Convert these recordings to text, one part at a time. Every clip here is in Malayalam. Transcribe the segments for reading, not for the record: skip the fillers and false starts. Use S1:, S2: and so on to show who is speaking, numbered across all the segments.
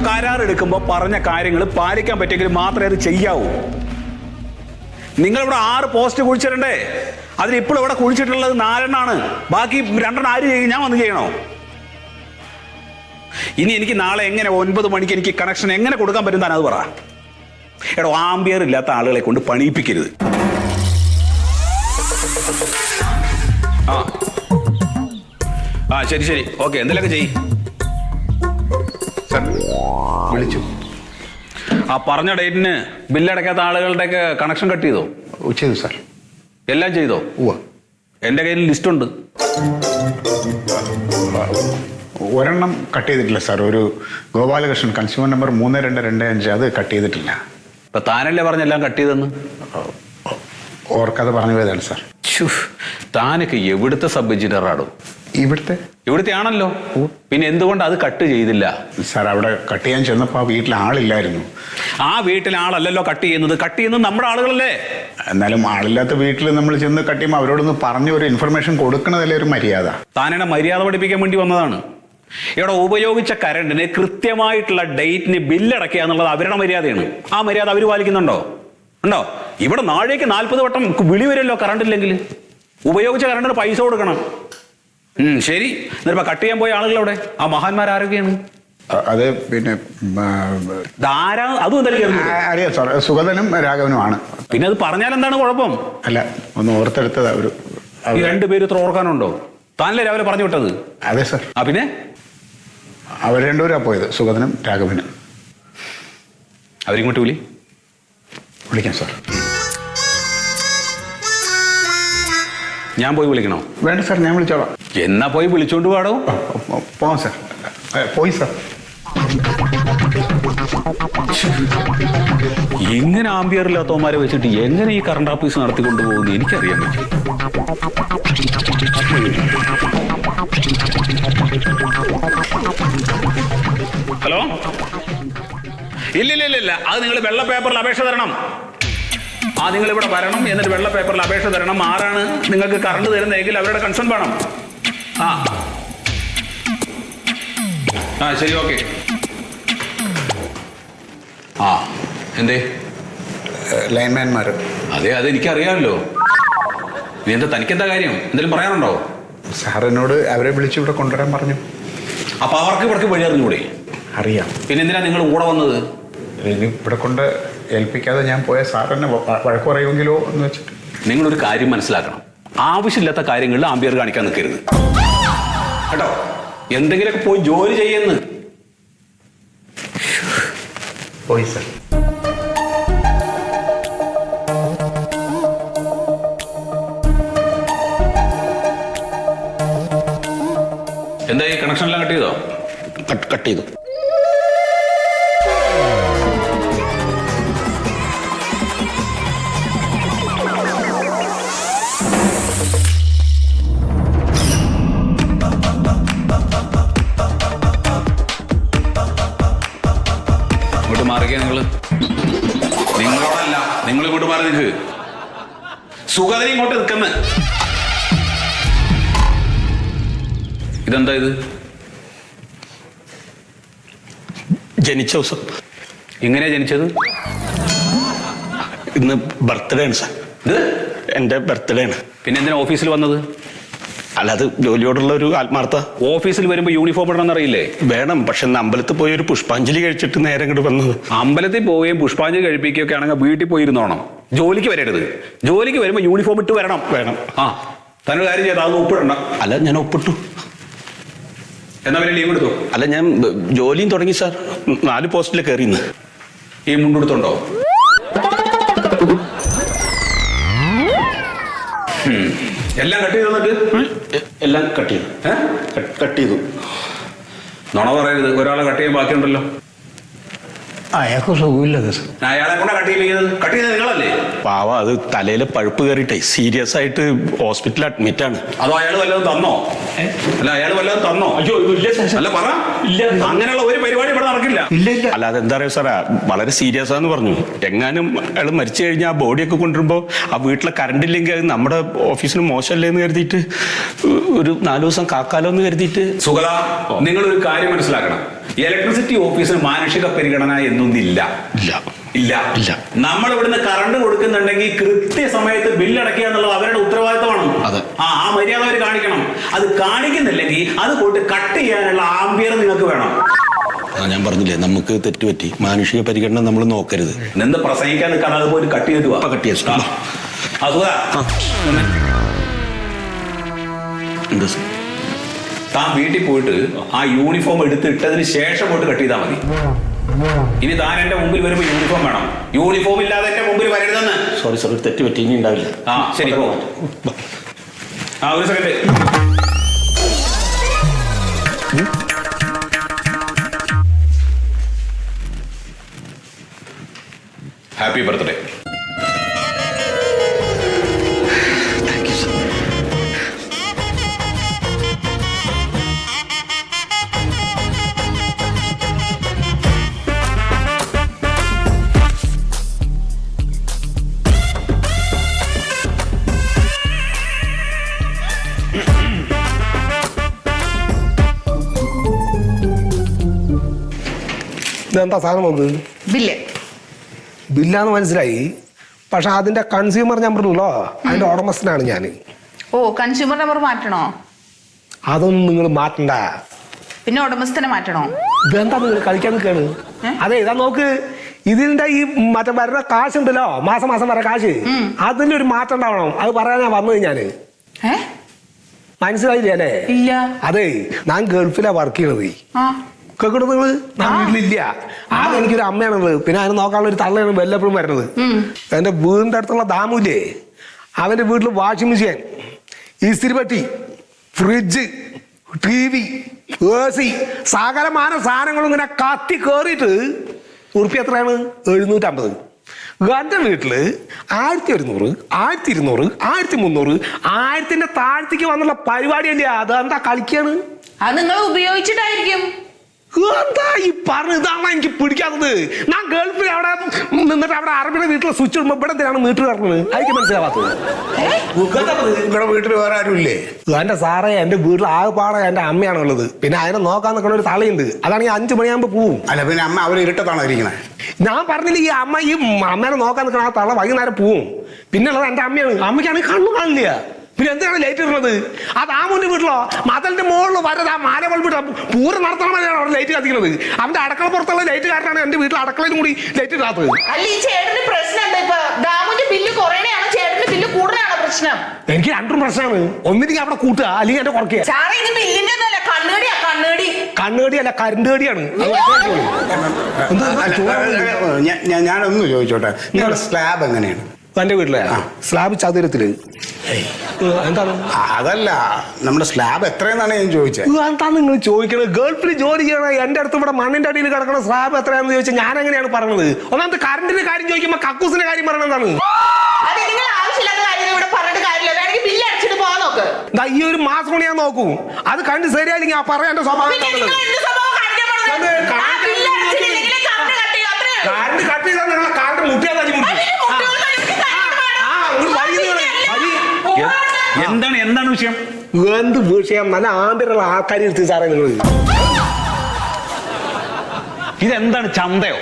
S1: കരാർ എടുക്കുമ്പോൾ പറഞ്ഞ കാര്യങ്ങൾ പാലിക്കാൻ പറ്റിയെങ്കിൽ മാത്രമേ അത് ചെയ്യാവൂ. നിങ്ങളിവിടെ 6 പോസ്റ്റ് കുഴിച്ചിടണ്ടേ? അതിലിപ്പോൾ ഇവിടെ കുഴിച്ചിട്ടുള്ളത് 4 എണ്ണമാണ്. ബാക്കി 2 എണ്ണം ആര് ചെയ്യും? ഞാൻ വന്ന് ചെയ്യണോ? ഇനി എനിക്ക് നാളെ എങ്ങനെ 9 മണിക്ക് എനിക്ക് കണക്ഷൻ എങ്ങനെ കൊടുക്കാൻ പറ്റും? താൻ അത് പറ. എടോ, ആംബിയർ ഇല്ലാത്ത ആളുകളെ കൊണ്ട് പണിയിപ്പിക്കരുത്. ആ ശരി ശരി, ഓക്കെ. എന്തെങ്കിലുമൊക്കെ ചെയ്യ്.
S2: വിളിച്ചു.
S1: ആ പറഞ്ഞ ഡേറ്റിന് ബില്ലടയ്ക്കാത്ത ആളുകളുടെയൊക്കെ കണക്ഷൻ കട്ട് ചെയ്തോ?
S2: ചെയ്തു സാർ.
S1: എല്ലാം ചെയ്തോ? എൻ്റെ കയ്യിൽ ലിസ്റ്റുണ്ട്.
S2: ഒരെണ്ണം കട്ട് ചെയ്തിട്ടില്ല സാർ. ഒരു ഗോപാലകൃഷ്ണൻ, കൺസ്യൂമർ നമ്പർ 3225, അത് കട്ട് ചെയ്തിട്ടില്ല.
S1: ഇപ്പൊ താനല്ലേ പറഞ്ഞെല്ലാം കട്ട് ചെയ്തെന്ന്?
S2: ഓർക്കാതെ പറഞ്ഞു പോയതാണ് സാർ.
S1: താനൊക്കെ എവിടുത്തെ സബ് എഞ്ചിനീയറാണോ? ഇവിടുത്തെ ആണല്ലോ. പിന്നെ എന്തുകൊണ്ട് അത് കട്ട് ചെയ്തില്ല?
S2: സാർ, അവിടെ കട്ട് ചെയ്യാൻ ചെന്നപ്പോൾ ആ വീട്ടിൽ ആളില്ലായിരുന്നു.
S1: ആ വീട്ടിൽ ആളല്ലല്ലോ കട്ട് ചെയ്യുന്നത്. കട്ട് ചെയ്യുന്നത് നമ്മുടെ ആളുകളല്ലേ?
S2: എന്നാലും ആളില്ലാത്ത വീട്ടിൽ നമ്മൾ ചെന്ന് കട്ട് ചെയ്യുമ്പോൾ അവരോടൊന്ന് പറഞ്ഞ് ഒരു ഇൻഫർമേഷൻ കൊടുക്കണതല്ലേ ഒരു മര്യാദ.
S1: താനെന്നെ മര്യാദ പഠിപ്പിക്കാൻ വേണ്ടി വന്നതാണ്. ഇവിടെ ഉപയോഗിച്ച കറണ്ടിന് കൃത്യമായിട്ടുള്ള ഡേറ്റിന് ബില്ലടക്കുക എന്നുള്ളത് അവരുടെ മര്യാദയാണ്. ആ മര്യാദ അവർ പാലിക്കുന്നുണ്ടോ? ഉണ്ടോ? ഇവിടെ നാഴേക്ക് 40 വട്ടം വിളി വരുമല്ലോ കറണ്ടില്ലെങ്കിൽ. ഉപയോഗിച്ച കറണ്ടിന് പൈസ കൊടുക്കണം. ശരി, എന്നിട്ടിപ്പോ കട്ട് ചെയ്യാൻ പോയ ആളുകളവിടെ ആ മഹാന്മാരാരൊക്കെയാണ്?
S2: അത് പിന്നെ
S1: അതും
S2: അറിയാം സാർ, സുഗതനും രാഘവനുമാണ്.
S1: പിന്നെ അത് പറഞ്ഞാൽ എന്താണ് കുഴപ്പം?
S2: അല്ല, ഒന്ന് ഓർത്തെടുത്തത്. അവര്
S1: 2 പേര് ഇത്ര ഓർക്കാനുണ്ടോ? താനല്ലേ രാവിലെ പറഞ്ഞു വിട്ടത്?
S2: അതെ സാർ.
S1: ആ പിന്നെ
S2: അവർ 2 പേരാ പോയത്, സുഗതനും രാഘവനും.
S1: അവരിങ്ങോട്ട്
S2: വിളിക്കാം സാർ.
S1: ഞാൻ പോയി വിളിക്കണോ?
S2: വേണ്ട സാർ, ഞാൻ വിളിച്ചോളാം.
S1: എന്നാ പോയി വിളിച്ചോണ്ട് പാടോ.
S2: പോവാം സാർ. പോയി സാർ.
S1: ഇങ്ങനെ ആംബിയർ ഇല്ലാത്തവന്മാരെ വെച്ചിട്ട് എങ്ങനെ ഈ കറണ്ട് ഓഫീസ് നടത്തിക്കൊണ്ടു പോകുന്നു എനിക്കറിയാൻ പറ്റും. ഹലോ, ഇല്ല, അത് നിങ്ങൾ വെള്ള പേപ്പറിൽ അപേക്ഷ തരണം. നിങ്ങൾ ഇവിടെ വരണം, എന്നിട്ട് വെള്ള പേപ്പറിൽ അപേക്ഷ തരണം. ആരാണ് നിങ്ങൾക്ക് കറണ്ട് തരുന്നതെങ്കിൽ അവരുടെ കൺസേൺ വേണം. ശരി, ഓക്കെ. എന്തേ?
S2: ലൈൻമാൻമാർ.
S1: അതെ, എനിക്കറിയാമല്ലോ. നീ എന്താ, തനിക്കെന്താ കാര്യം? എന്തെങ്കിലും പറയാനുണ്ടോ?
S2: സാർ എന്നോട് അവരെ വിളിച്ച് ഇവിടെ കൊണ്ടുവരാൻ പറഞ്ഞു.
S1: അപ്പൊ അവർക്ക് വഴി അറിഞ്ഞൂടെ?
S2: അറിയാം.
S1: പിന്നെ എന്തിനാ നിങ്ങൾ കൂടെ വന്നത്?
S2: ഇനി ഇവിടെ കൊണ്ട് ഏൽപ്പിക്കാതെ ഞാൻ പോയ സാർ എന്നെ വഴക്ക് പറയുമെങ്കിലോ എന്ന് വെച്ചിട്ട്.
S1: നിങ്ങളൊരു കാര്യം മനസ്സിലാക്കണം. ആവശ്യമില്ലാത്ത കാര്യങ്ങളിൽ ആംബിയർ കാണിക്കാൻ നിൽക്കരുത് കേട്ടോ. എന്തെങ്കിലുമൊക്കെ പോയി ജോലി ചെയ്യുന്നു.
S2: പോയി സാർ.
S1: എന്താ ഈ കണക്ഷൻ എല്ലാം കട്ട് ചെയ്തോ?
S2: കട്ട് ചെയ്തു.
S1: ഇങ്ങോട്ട് മാറിക്കേ. നിങ്ങളോടല്ല, നിങ്ങൾ ഇങ്ങോട്ട് മാറി നിൽക്ക്. സുഗതനെ ഇങ്ങോട്ട് നിൽക്കുന്ന. ഇതെന്താ ഇത്?
S3: ജനിച്ച ദിവസം.
S1: എങ്ങനെയാ ജനിച്ചത്?
S3: ഇന്ന് ബർത്ത്ഡേ ആണ് സാർ.
S1: ഇത്
S3: എൻ്റെ ബർത്ത്ഡേ ആണ്.
S1: പിന്നെ എന്തിനാ ഓഫീസിൽ വന്നത്?
S3: അല്ല, അത് ജോലിയോടുള്ള ഒരു ആത്മാർത്ഥ.
S1: ഓഫീസിൽ വരുമ്പോൾ യൂണിഫോം ഇടണമെന്ന് അറിയില്ലേ?
S3: വേണം, പക്ഷെ അമ്പലത്തിൽ പോയി ഒരു പുഷ്പാഞ്ജലി കഴിച്ചിട്ട് നേരെ ഇങ്ങോട്ട് വന്നത്.
S1: അമ്പലത്തിൽ പോവുകയും പുഷ്പാഞ്ജലി കഴിപ്പിക്കുകയൊക്കെ ആണെങ്കിൽ വീട്ടിൽ പോയിരുന്നോണം. ജോലിക്ക് വരരുത്. ജോലിക്ക് വരുമ്പോൾ യൂണിഫോം ഇട്ട് വരണം.
S3: വേണം.
S1: തന്നൊരു കാര്യം ചെയ്താൽ അത് ഒപ്പിടണം.
S3: അല്ല, ഞാൻ ഒപ്പിട്ടു.
S1: എന്നാ പിന്നെ ലീവ് എടുത്തു?
S3: അല്ല, ഞാൻ ജോലിയും തുടങ്ങി സാർ. 4 പോസ്റ്റിൽ കയറിയെന്ന്.
S1: ഈ മുണ്ടെടുത്തുണ്ടോ? എല്ലാം കട്ട് ചെയ്തു. എന്നിട്ട്
S3: എല്ലാം കട്ട് ചെയ്തു. കട്ട് ചെയ്തു.
S1: നുണ പറയരുത്. ഒരാളെ കട്ട് ചെയ്യാൻ ബാക്കിയുണ്ടല്ലോ.
S2: അയാൾക്ക് സുഖമില്ല സാർ.
S1: അയാളെ കൂടെ കട്ട് ചെയ്തത് നിങ്ങളല്ലേ?
S3: പാവ, അത് തലയിലെ പഴുപ്പ് കയറിയിട്ടേ സീരിയസ് ആയിട്ട് ഹോസ്പിറ്റലിൽ അഡ്മിറ്റ് ആണ്.
S1: അതോ അയാൾ വല്ലതും തന്നോ? അല്ല അയാൾ വല്ലതും തന്നോ?
S3: അയ്യോ ഇല്ല സാർ.
S1: അല്ല പറ.
S3: ഇല്ല.
S1: അങ്ങനെയുള്ള ഒരു പരിപാടി ഇവിടെ നടക്കില്ല.
S3: ഇല്ല ഇല്ല. അല്ല അതെന്താ പറയുക സാറേ, വളരെ സീരിയസ് ആന്ന് പറഞ്ഞു. എങ്ങാനും അയാൾ മരിച്ചു കഴിഞ്ഞാൽ ആ ബോഡിയൊക്കെ കൊണ്ടുവരുമ്പോൾ ആ വീട്ടിലെ കറണ്ട് ഇല്ലെങ്കിൽ അത് നമ്മുടെ ഓഫീസിന് മോശമല്ലേ എന്ന് കരുതിയിട്ട് ഒരു 4 ദിവസം കാക്കാലോ എന്ന് കരുതിയിട്ട്.
S1: സുഗത, നിങ്ങളൊരു കാര്യം മനസ്സിലാക്കണം. ഇലക്ട്രിസിറ്റി ഓഫീസിന് മാനുഷിക പരിഗണന എന്നൊന്നില്ല.
S3: ഇല്ല
S1: ഇല്ല
S3: ഇല്ല.
S1: നമ്മൾ ഇവിടുന്ന് കറണ്ട് കൊടുക്കുന്നുണ്ടെങ്കിൽ കൃത്യസമയത്ത് ബില്ലടക്കുക എന്നുള്ളത് അവരുടെ ഉത്തരവാദിത്തമാണ്.
S3: അതെ.
S1: ആ മര്യാദ അവർ കാണിക്കണം. അത് കാണിക്കുന്നില്ലെങ്കിൽ അത് പോയിട്ട് കട്ട് ചെയ്യാനുള്ള ആംബിയർ നിങ്ങൾക്ക് വേണം.
S3: ഞാൻ പറഞ്ഞില്ലേ, നമുക്ക് തെറ്റുപറ്റി. മാനുഷിക പരിഗണന നമ്മൾ നോക്കരുത്.
S1: നിന്ന് പ്രസംഗിക്കാൻ നിൽക്കാൻ അത് പോയിട്ട് കട്ട് ചെയ്തിട്ട് വാ.
S3: കട്ട് ചെയ്യാം. എന്താ സാർ?
S1: താൻ വീട്ടിൽ പോയിട്ട് ആ യൂണിഫോം എടുത്തിട്ടതിന് ശേഷം പോയിട്ട് കട്ട് ചെയ്താൽ മതി. ഇനി താൻ എന്റെ മുമ്പിൽ വരുമ്പോ യൂണിഫോം വേണം. യൂണിഫോം ഇല്ലാതെ എന്റെ മുമ്പിൽ വരരുതെന്ന്.
S3: സോറി സോറി, തെറ്റുപറ്റി. ഇനി ഉണ്ടാവില്ല.
S1: ആ ശരി, പോ. ഒരു സെക്കൻഡ്. Happy birthday.
S4: ഇതെന്താ സാധനം വന്നത്?
S5: ബില്ല്.
S4: ബില്ലാന്ന് മനസ്സിലായി. പക്ഷെ അതിന്റെ കൺസ്യൂമർ നമ്പറിലോ അതിന്റെ ഉടമസ്ഥനാണ് ഞാൻ.
S5: ഓ, കൺസ്യൂമർ നമ്പർ മാറ്റണോ?
S4: അതൊന്നും നിങ്ങൾ മാറ്റണ്ട.
S5: പിന്നെ ഉടമസ്ഥനെ മാറ്റണോ?
S4: ഇതെന്താ നിങ്ങൾ കളിക്കാൻ നിൽക്കാണ്? അതെ, ഇതാ നോക്ക്. ഇതിന്റെ ഈ മറ്റേ വരുന്ന കാശുണ്ടല്ലോ, മാസം മാസം വരെ കാശ്, അതിന്റെ ഒരു മാറ്റം ഉണ്ടാവണം. അത് പറയാനാ വന്നത് ഞാന്. മനസ്സിലായില്ലേ അല്ലേ?
S5: ഇല്ല.
S4: അതെ, ഞാൻ ഗൾഫിലാ വർക്ക് ചെയ്യണത്. കേൾക്കണത് നിങ്ങള്? ഞാൻ വീട്ടിലില്ല. ആകെ എനിക്കൊരു അമ്മയാണുള്ളത്. പിന്നെ അതിനെ നോക്കാനുള്ള ഒരു തള്ളയാണ് വല്ലപ്പോഴും വരുന്നത്. എന്റെ വീടിന്റെ അടുത്തുള്ള ദാമുല്ലേ, അവന്റെ വീട്ടിൽ വാഷിംഗ് മെഷീൻ, ഇസ്തിരിപ്പെട്ടി, ഫ്രിഡ്ജ്, TV, AC, സകലമാന സാധനങ്ങളും ഇങ്ങനെ കത്തി കയറിയിട്ട് ഉറുപ്പി എത്രയാണ്? 750. എന്റെ വീട്ടില് 1100, 1200, 1300, 1000ന്റെ താഴ്ത്തിക്ക് വന്നുള്ള പരിപാടിയല്ലേ. അതെന്താ കളിക്കാണ്?
S5: അത് നിങ്ങൾ ഉപയോഗിച്ചിട്ടായിരിക്കും.
S4: എന്താ ഈ പറഞ്ഞ? ഇതാണ് എനിക്ക് പിടിക്കാത്തത്. ഞാൻ ഗൾഫിൽ അവിടെ നിന്നിട്ട് അവിടെ അറബിയുടെ വീട്ടിലെ സ്വിച്ച് ഇടുമ്പോ ഇവിടെ എന്തിനാണ് മീറ്റർ കിടക്കുന്നത്? എനിക്ക് മനസ്സിലാവാത്തത്.
S2: ഇവിടെ വീട്ടിൽ വേറെ ആരും ഇല്ലേ?
S4: എന്റെ സാറേ, എന്റെ വീട്ടിൽ ആകെപ്പാടെ എന്റെ അമ്മയാണുള്ളത്. പിന്നെ അതിനെ നോക്കാൻ നിൽക്കുന്ന ഒരു തളയുണ്ട്. അതാണെങ്കിൽ 5 മണിയാകുമ്പോ പോവും.
S2: അല്ല പിന്നെ അമ്മ അവർ ഇരുട്ടത്താണോ ഇരിക്കണേ?
S4: ഞാൻ പറഞ്ഞില്ല, ഈ അമ്മേനെ നോക്കാൻ നിൽക്കുന്ന ആ തള വൈകുന്നേരം പോവും. പിന്നുള്ളത് എന്റെ അമ്മയാണ്. അമ്മയ്ക്കാണെങ്കിൽ കണ്ണു കാണില്ല. പിന്നെ എന്തിനാണ് ലൈറ്റ് ഇടുന്നത്? ആ ദാമുന്റെ വീട്ടിലോ മതലിന്റെ മുകളിൽ വരത് ആ മാല ബൾബിട്ട് പൂരം നടത്തണമെന്നാണ് അവിടെ ലൈറ്റ് കത്തിക്കുന്നത്. അവന്റെ അടുക്കള പുറത്തുള്ള ലൈറ്റ് കാരണമാണ് എന്റെ വീട്ടിൽ അടുക്കളയിലും കൂടി ലൈറ്റ് ഇടാത്തത്.
S5: അല്ല, ഈ ചേട്ടന്റെ പ്രശ്നം എന്താ? ഇപ്പൊ ദാമുന്റെ ബില്ല് കുറയണയാണോ ചേട്ടന്റെ ബില്ല് കൂടുതലാണോ പ്രശ്നം?
S4: എനിക്ക് രണ്ടും പ്രശ്നമാണ്. ഒന്നില്ലെങ്കിൽ അവിടെ കൂട്ടുക, അല്ലെങ്കിൽ എന്റെ കുറയ്ക്കുക.
S5: സാറേ, ഇത് ബില്ലിന്റെ ഒന്നല്ല, കണ്ണുകടിയാ.
S4: കണ്ണുകടി അല്ല, കരണ്ട് കടിയാണ്.
S2: ഞാനൊന്ന് ചോദിച്ചോട്ടെ, നിങ്ങളുടെ സ്ലാബ് എങ്ങനെയാണ്?
S4: എന്റെ വീട്ടിലെ സ്ലാബ് ചതുരത്തില്. എന്താണ്?
S2: അതല്ല, നമ്മുടെ സ്ലാബ് എത്രയെന്നാണ് ഞാൻ ചോദിച്ചത്.
S4: എന്താ നിങ്ങൾ ചോദിക്കണത്? ഗൾഫിൽ ജോലി ചെയ്യണ എന്റെ അടുത്ത് ഇവിടെ മണ്ണിന്റെ അടിയിൽ കിടക്കണ സ്ലാബ് എത്രയാണെന്ന് ചോദിച്ചാൽ ഞാൻ എങ്ങനെയാണ് പറഞ്ഞത്? ഒന്നാമത്തെ കറണ്ടിന്റെ കാര്യം ചോദിക്കുമ്പോ കക്കൂസിന്റെ കാര്യം പറയണതാണ്. ഈ ഒരു മാസം കൊണ്ട് ഞാൻ നോക്കൂ. അത് കണ്ട് ശരിയായില്ലെങ്കിൽ ആ പറയാൻ സ്വഭാവം. കറണ്ട് കട്ട് ചെയ്താൽ നിങ്ങളെ കാറിന്റെ മുട്ടിയാ തല്ലി മുട്ടി.
S1: എന്താണ് വിഷയം?
S4: എന്ത് വിഷയം? നല്ല ആമ്പിലുള്ള ആൾക്കാർ എടുത്ത് സാറേ നിങ്ങൾ.
S1: ഇതെന്താണ്, ചന്തയോ?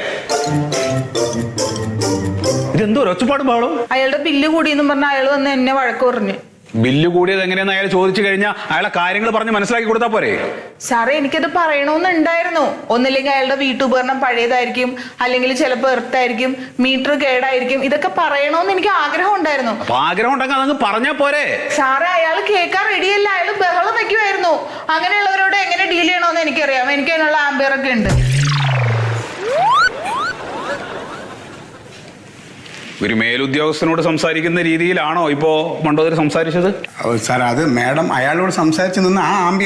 S1: ഇതെന്തോ ഒച്ചപ്പാടും പാടും.
S5: അയാളുടെ ബില്ല് കൂടിയെന്നും പറഞ്ഞ അയാൾ വന്ന് എന്നെ വഴക്ക് പറഞ്ഞു.
S1: ബില്ല് കൂടിയത് എങ്ങനെയാന്ന് അയാൾ ചോദിച്ചു കഴിഞ്ഞാൽ അയാളെ കാര്യങ്ങൾ പറഞ്ഞ് മനസ്സിലാക്കി കൊടുത്താൽ പോരെ?
S5: സാറേ, എനിക്കത് പറയണമെന്നുണ്ടായിരുന്നു. ഒന്നില്ലെങ്കിൽ അയാളുടെ വീട്ടുപകരണം പഴയതായിരിക്കും, അല്ലെങ്കിൽ ചിലപ്പോൾ എർത്തായിരിക്കും, മീറ്റർ കേടായിരിക്കും. ഇതൊക്കെ പറയണമെന്ന് എനിക്ക് ആഗ്രഹം ഉണ്ടായിരുന്നു.
S1: അപ്പൊ ആഗ്രഹം ഉണ്ടെങ്കിൽ അതങ്ങ് പറഞ്ഞാ പോരെ?
S5: സാറേ, അയാൾ കേൾക്കാൻ റെഡിയല്ല. അയാൾ ബഹളം വെക്കുമായിരുന്നു. അങ്ങനെയുള്ളവരോട് എങ്ങനെ ഡീൽ ചെയ്യണമെന്ന് എനിക്കറിയാം. എനിക്ക് അതിനുള്ള ആംബിയറൊക്കെ ഉണ്ട്.
S1: ഒരു മേലുദ്യോഗസ്ഥനോട് സംസാരിക്കുന്ന രീതിയിലാണോ ഇപ്പോ മണ്ടോദരി സംസാരിച്ചത്?
S2: സാർ, അത് മാഡം അയാളോട് സംസാരിച്ച് നിന്ന്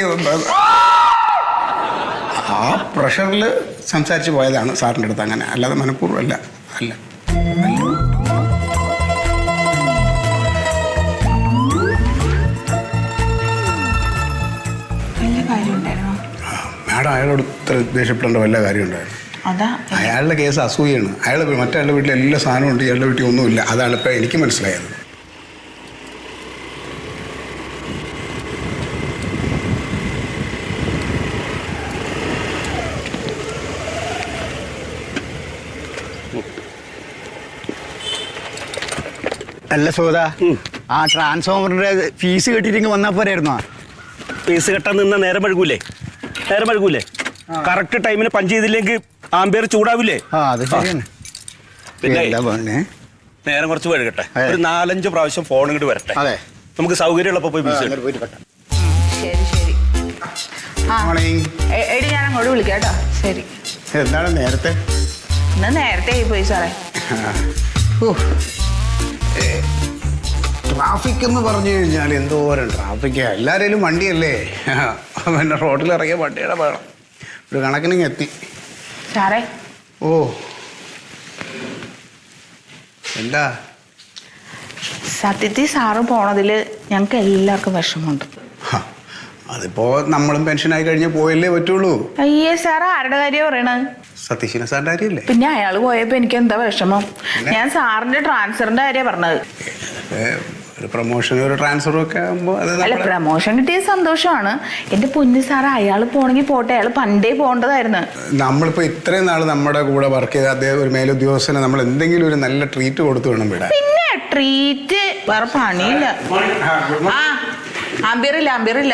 S2: ആ പ്രഷറിൽ സംസാരിച്ച് പോയതാണ് സാറിൻ്റെ അടുത്ത്. അങ്ങനെ അല്ലാതെ മനഃപൂർവ്വം അല്ല.
S5: കാര്യം ഉണ്ടായിരുന്നു.
S2: മാഡം അയാളോട് ഇത്ര ദേഷ്യപ്പെടേണ്ട വല്ല കാര്യം ഉണ്ടായിരുന്നു?
S5: അതാ
S2: അയാളുടെ കേസ് അസൂയാണ്. മറ്റയാളുടെ വീട്ടിൽ എല്ലാ സാധനവും ഉണ്ട്, ഇയാളുടെ വീട്ടിൽ ഒന്നുമില്ല. അതാണ് ഇപ്പം എനിക്ക് മനസ്സിലായത്.
S6: അല്ല സോദാ, ആ ട്രാൻസ്ഫോമറിന്റെ ഫീസ് കെട്ടിട്ട് വന്നാ പോരായിരുന്നോ?
S3: ഫീസ് കെട്ടാൻ നിന്ന നേരം വഴുകൂലേ? കറക്റ്റ് ടൈമിന് പഞ്ച് ചെയ്തില്ലെങ്കിൽ ആംബിയർ ചൂടാവില്ലേ?
S6: ആ അത് ശരിയാണ്.
S3: പിന്നെ
S6: എന്താ പറഞ്ഞേ?
S3: നേരം കുറച്ച് വഴുകട്ടെ,
S6: അതെ.
S3: ഒരു 4-5 പ്രാവശ്യം ഫോൺ ഇങ്ങോട്ട് വരട്ടെ.
S6: അതെ,
S3: നമുക്ക് സൗകര്യമുള്ളപ്പോ പോയി ഫീസ്
S6: അങ്ങോട്ട് പോയിട്ട് കെട്ടാം.
S5: ശരി ശരി. ആ
S2: മോർണിംഗ്.
S5: എടി ഞാൻ അങ്ങോട്ട് വിളിക്കാം കേട്ടോ. ശരി.
S2: എന്താണ് നേരത്തെ?
S5: ഇന്ന് നേരത്തെ ആയി പോയി സാറേ.
S2: ട്രാഫിക് എന്ന് പറഞ്ഞു കഴിഞ്ഞാൽ എന്തോരം ട്രാഫിക്കാ. എല്ലാവരും വണ്ടിയല്ലേ, പിന്നെ റോഡിൽ ഇറങ്ങിയ വണ്ടിയുടെ വേണം. ഒരു കണക്കിന് എത്തി.
S5: സാറേ
S2: ഓ എന്താ?
S5: സത്യത്തിൽ സാറ് പോണതില് ഞങ്ങൾക്ക് എല്ലാവർക്കും വിഷമമുണ്ട്.
S2: ഹ, അതിപ്പോ നമ്മളും പെൻഷനായി കഴിഞ്ഞ് പോയല്ലേ പറ്റുള്ളൂ.
S5: അയ്യേ സാറ് ആരുടെ കാര്യം പറയണത്?
S2: സതീശന സാറിന്റെ കാര്യമല്ലേ?
S5: പിന്നെ അയാൾ പോയപ്പോ എനിക്ക് എന്താ വിഷമം? ഞാൻ സാറിന്റെ ട്രാൻസ്ഫറിന്റെ കാര്യമാണ് പറഞ്ഞത്.
S2: ഒരു പ്രൊമോഷനും ഒരു ട്രാൻസ്ഫറും ഒക്കെ ആകുമ്പോൾ അത്
S5: അല്ല, പ്രമോഷൻ കിട്ടിയ സന്തോഷമാണ്. എന്റെ പൊന്നു സാറ് അയാൾ പോണെങ്കിൽ പോട്ടെ, അയാൾ പണ്ടേ പോകേണ്ടതായിരുന്നു.
S2: നമ്മളിപ്പോ ഇത്രയും നാൾ നമ്മുടെ കൂടെ വർക്ക് ചെയ്ത അദ്ദേഹം ഒരു മേലുദ്യോഗസ്ഥന് നമ്മൾ എന്തെങ്കിലും ഒരു നല്ല ട്രീറ്റ് കൊടുത്തു വേണം വിടാൻ.
S5: പിന്നെ ട്രീറ്റ് വേറെ പണിയില്ല. ആ അമ്പിയറില്ല.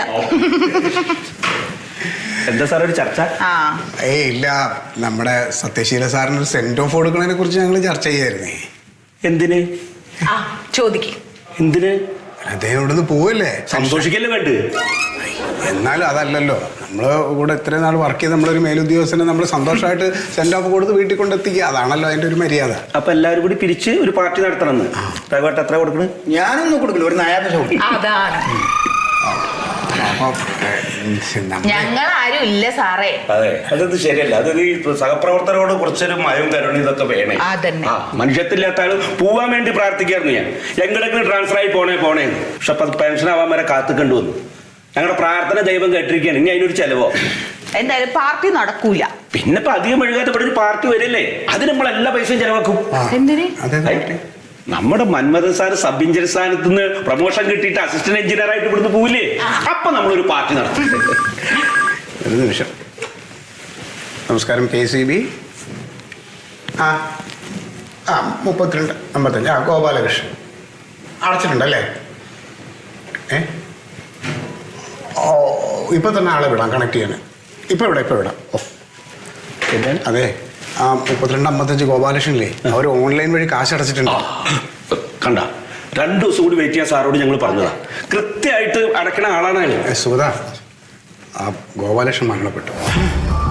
S3: എന്താ സാർ ഒരു ചർച്ച?
S5: ആ
S2: ഇല്ല, നമ്മുടെ സത്യശീല സാറിന് ഒരു സെന്റ് ഓഫ് കൊടുക്കുന്നതിനെ കുറിച്ച് ഞങ്ങൾ ചർച്ച ചെയ്യായിരുന്നേ.
S3: എന്തിന്?
S5: ആ ചോദിക്കും.
S3: എന്തിന്?
S2: അദ്ദേഹം ഇവിടുന്ന് പോവല്ലേ,
S3: സന്തോഷിക്കല്ലേ വേണ്ട?
S2: എന്നാലും അതല്ലല്ലോ, നമ്മള് കൂടെ ഇത്രയും നാൾ വർക്ക് ചെയ്ത് നമ്മളൊരു മേലുദ്യോഗസ്ഥനെ നമ്മൾ സന്തോഷമായിട്ട് സെന്റ് ഓഫ് കൊടുത്ത് വീട്ടിൽ കൊണ്ടെത്തിക്കുക, അതാണല്ലോ അതിന്റെ ഒരു മര്യാദ.
S3: അപ്പൊ എല്ലാവരും കൂടി പിരിച്ച് ഒരു പാർട്ടി നടത്തണമെന്ന്. എത്ര കൊടുക്കണേ?
S6: ഞാനൊന്നും കൊടുക്കില്ല, ഒരു നയാപൈസ കൊടുക്കും.
S5: അതാണ് ഞങ്ങൾ ആരും ഇല്ല സാറേ.
S3: അതെ, അതൊന്നും ശരിയല്ല. അത് ഈ സഹപ്രവർത്തകരോട് കുറച്ചൊരു മയവും കരുണ ഇതൊക്കെ വേണേ.
S5: അതന്നെ.
S3: മനുഷ്യത്തില്ലാത്ത ആള് പോവാൻ വേണ്ടി പ്രാർത്ഥിക്കായിരുന്നു ഞാൻ. എങ്ങനെയെങ്കിലും ട്രാൻസ്ഫർ ആയി പോണേ. പക്ഷെ അപ്പൊ പെൻഷൻ ആവാൻ വരെ കാത്തുകണ്ടു വന്നു. ഞങ്ങളുടെ പ്രാർത്ഥന ദൈവം കേട്ടിരിക്കുകയാണ്. ഇനി അതിനൊരു ചെലവോ?
S5: എന്തായാലും പാർട്ടി നടക്കൂല.
S3: പിന്നെ ഇപ്പൊ അധികം ഒഴുകാത്ത ഇവിടെ ഒരു പാർട്ടി വരില്ലേ, അത് നമ്മൾ എല്ലാ പൈസയും ചെലവാക്കും.
S5: എന്തിന്?
S3: നമ്മുടെ മന്മഥൻ സാർ സബ് എഞ്ചിനീയർ സ്ഥാനത്ത് നിന്ന് പ്രൊമോഷൻ കിട്ടിയിട്ട് അസിസ്റ്റന്റ് എഞ്ചിനീയർ ആയിട്ട് ഇവിടുന്ന് പോവില്ലേ, അപ്പൊ നമ്മളൊരു പാർട്ടി നടത്തും.
S2: ഒരു നിമിഷം. നമസ്കാരം, KCB. ആ 3255. ഗോപാലകൃഷ്ണൻ അടച്ചിട്ടുണ്ടല്ലേ? ഇപ്പൊ തന്നെ ആളെ വിടാം, കണക്ട് ചെയ്യാൻ. ഇപ്പൊ വിടാം. അതെ, 3255 ഗോപാലകൃഷ്ണനില്ലേ, അവർ ഓൺലൈൻ വഴി കാശ് അടച്ചിട്ടുണ്ട്.
S3: കണ്ട, 2 ദിവസം കൂടി വെയിറ്റ് ചെയ്യാൻ സാറോട് ഞങ്ങൾ പറഞ്ഞതാ. കൃത്യമായിട്ട് അടക്കണ ആളാണ്.
S2: സുഗത, ആ ഗോപാലകൃഷ്ണൻ മരണപ്പെട്ടു.